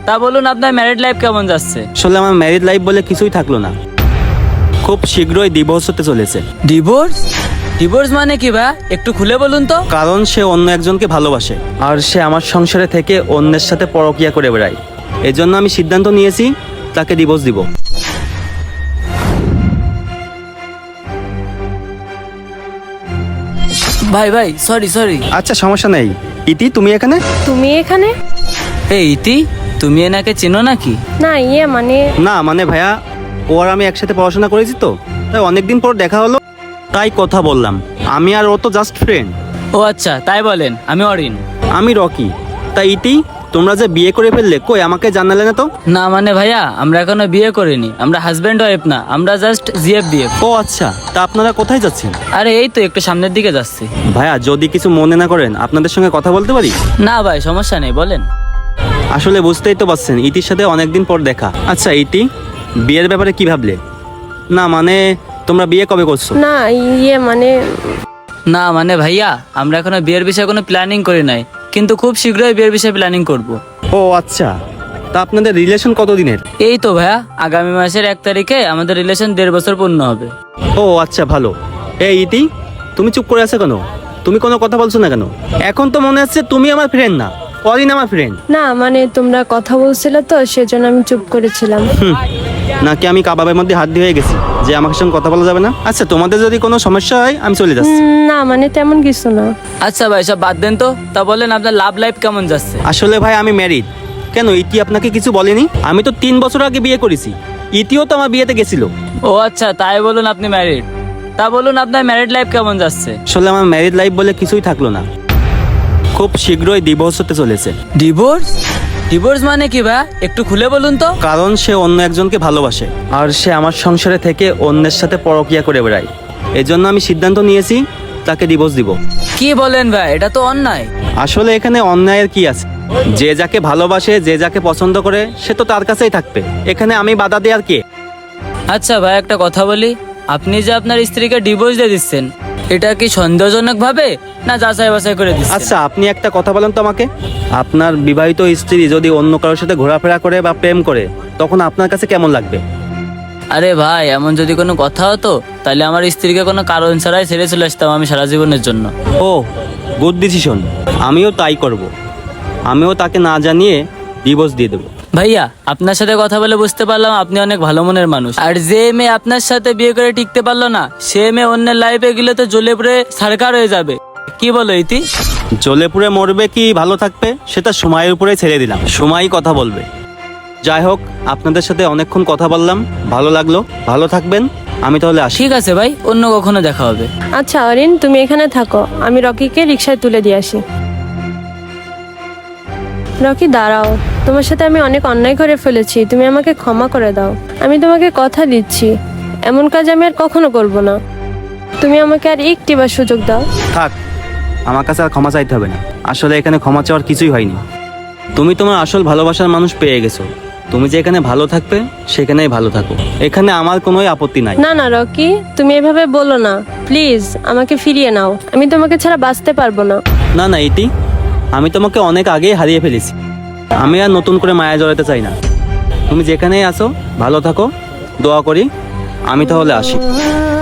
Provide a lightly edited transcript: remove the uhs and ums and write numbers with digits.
তা বলুন আপনার ম্যারিড লাইফ কেমন যাচ্ছে? আসলে আমার ম্যারিড লাইফ বলে কিছুই থাকলো না, খুব শীঘ্রই ডিভোর্স হতে চলেছে। ডিভোর্স? ডিভোর্স মানে কি ভাই, একটু খুলে বলুন তো। কারণ সে অন্য একজনকে ভালোবাসে আর সে আমার সংসারে থেকে অন্যের সাথে পরকীয়া করে বেড়ায়। এজন্য আমি সিদ্ধান্ত নিয়েছি তাকে ডিভোর্স দিব। ভাই ভাই সরি সরি। আচ্ছা সমস্যা নেই। ইতি তুমি এখানে? তুমি এখানে? এই ইতি, তুমি এনাকে চেনো নাকি? না মানে না মানে ভাইয়া, ও আর আমি একসাথে পড়াশোনা করেছি তো, তাই অনেকদিন পর দেখা হলো, তাই কথা বললাম। আমি আর ও তো জাস্ট ফ্রেন্ড। ও আচ্ছা, তাই বলেন। আমি অরিন। আমি রকি। তাই ইতি, তোমরা যে বিয়ে করে ফেললে, কই আমাকে জানালে না তো? না মানে ভাইয়া, আমরা এখনো বিয়ে করিনি, আমরা হাজব্যান্ড ওয়াইফ না, আমরা জাস্ট জিএফ বিএফ। ও আচ্ছা, তা আপনারা কোথায় যাচ্ছেন? আরে এই তো একটু সামনের দিকে যাচ্ছি। ভাইয়া যদি কিছু মনে না করেন, আপনাদের সঙ্গে কথা বলতে পারি? না ভাই সমস্যা নেই, বলেন। আসলে বুঝতেই তো পারছেন, ইতির সাথে অনেকদিন পর দেখা। আচ্ছা ইতি, বিয়ের ব্যাপারে কি ভাবলে? না মানে তোমরা বিয়ে কবে করছো? না মানে না মানে ভাইয়া, আমরা এখনো বিয়ের বিষয়ে কোনো প্ল্যানিং করি নাই, কিন্তু খুব শীঘ্রই বিয়ের বিষয়ে প্ল্যানিং করব। ও আচ্ছা, তা আপনাদের রিলেশন কতদিনের? এই তো ভাইয়া, আগামী মাসের 1 তারিখে আমাদের রিলেশন 1.5 বছর পূর্ণ হবে। ও আচ্ছা ভালো। এই ইতি, তুমি চুপ করে আছো কেন? তুমি কোনো কথা বলছো না কেন? এখন তো মনে হচ্ছে তুমি আমার ফ্রেন্ড না, অরিন আমার ফ্রেন্ড। না মানে তোমরা কথা বলছিলে তো সেজন্য আমি চুপ করেছিলাম। নাকি আমি কাবাবের মধ্যে হাত দিয়ে গেছি যে আমার সঙ্গে কথা বলা যাবে না? আচ্ছা তোমাদের যদি কোনো সমস্যা হয় আমি চলে যাচ্ছি। না মানে তেমন কিছু না। আচ্ছা ভাই সব বাদ দেন তো, তা বলেন আপনার লাভ লাইফ কেমন যাচ্ছে? আসলে ভাই আমি ম্যারিড। কেন ইতি আপনাকে কিছু বলেনি? আমি তো 3 বছর আগে বিয়ে করেছি। ইতিও তো আমার বিয়েতে গেছিল। ও আচ্ছা, তাই বলুন আপনি ম্যারিড। তা বলুন আপনার ম্যারিড লাইফ কেমন যাচ্ছে? আসলে আমার ম্যারিড লাইফ বলে কিছুই থাকলো না, খুব শীঘ্রই ডিভোর্স হতে চলেছে। ডিভোর্স? ডিভোর্স মানে কি ভাই, একটু খুলে বলুন তো। কারণ সে অন্য একজনকে ভালোবাসে আর সে আমার সংসারে থেকে অন্যের সাথে পরকীয়া করে বেড়ায়। এজন্য আমি সিদ্ধান্ত নিয়েছি তাকে ডিভোর্স দিব। কি বলেন ভাই, এটা তো অন্যায়। আসলে এখানে অন্যায়ের কি আছে? যে যাকে ভালোবাসে, যে যাকে পছন্দ করে, সে তো তার কাছেই থাকবে। এখানে আমি বাধা দেওয়ার কে? আচ্ছা ভাই একটা কথা বলি, আপনি যে আপনার স্ত্রীকে ডিভোর্স দিয়ে দিচ্ছেন, এটা কি সন্দেহজনক ভাবে না যাচাই বাছাই করে দিচ্ছেন? আচ্ছা আপনি একটা কথা বলেন তো আমাকে, আপনার বিবাহিত স্ত্রী যদি অন্য কারোর সাথে ঘোরাফেরা করে বা প্রেম করে, তখন আপনার কাছে কেমন লাগবে? আরে ভাই, এমন যদি কোনো কথা হতো তাহলে আমার স্ত্রীকে কোনো কারণ ছাড়াই ছেড়ে চলে আসতাম আমি সারা জীবনের জন্য। ও গুড ডিসিশন, আমিও তাই করব। আমিও তাকে না জানিয়ে ডিভোর্স দিয়ে দেবো। ভাইয়া আপনার সাথে কথা বলে বুঝতে পারলাম আপনি অনেক ভালো মনের মানুষ। আর যে মেয়ে আপনার সাথে বিয়ে করে টিকতে পারলো না, সে মেয়ে অন্যের লাইফে গেলে তো জ্বলে পুড়ে ছারখার হয়ে যাবে। কি বলো ইতি? জ্বলে পুড়ে মরবে কি ভালো থাকবে সেটা সময়ের উপরে ছেড়ে দিলাম, সময়ই কথা বলবে। যাই হোক, আপনাদের সাথে অনেকক্ষণ কথা বললাম, ভালো লাগলো। ভালো থাকবেন, আমি তাহলে আসি। ঠিক আছে ভাই, অন্য কখনো দেখা হবে। আচ্ছা অরিন তুমি এখানে থাকো, আমি রকিকে রিকশায় তুলে দিয়ে আসি। রকি দাঁড়াও, তোমার সাথে আমি অনেক অন্যায় করে ফেলেছি, তুমি আমাকে ক্ষমা করে দাও। আমি তোমাকে কথা দিচ্ছি এমন কাজ আমি আর কখনো করব না। তুমি আমাকে আর একটিবার সুযোগ দাও। থাক, আমার কাছে আর ক্ষমা চাইতে হবে না। আসলে এখানে ক্ষমা চাওয়ার কিছুই হয়নি। তুমি তোমার আসল ভালোবাসার মানুষ পেয়ে গেছো। তুমি যে এখানে ভালো থাকবে সেখানেই ভালো থাকো, এখানে আমার কোনো আপত্তি নাই। না না রকি, তুমি এভাবে বলো না, প্লিজ আমাকে ফিরিয়ে নাও, আমি তোমাকে ছাড়া বাঁচতে পারবো না। না না ইতি, আমি তোমাকে অনেক আগেই হারিয়ে ফেলেছি। আমি আর নতুন করে মায়া জড়াতে চাই না। তুমি যেখানেই আসো ভালো থাকো, দোয়া করি। আমি তাহলে আসি।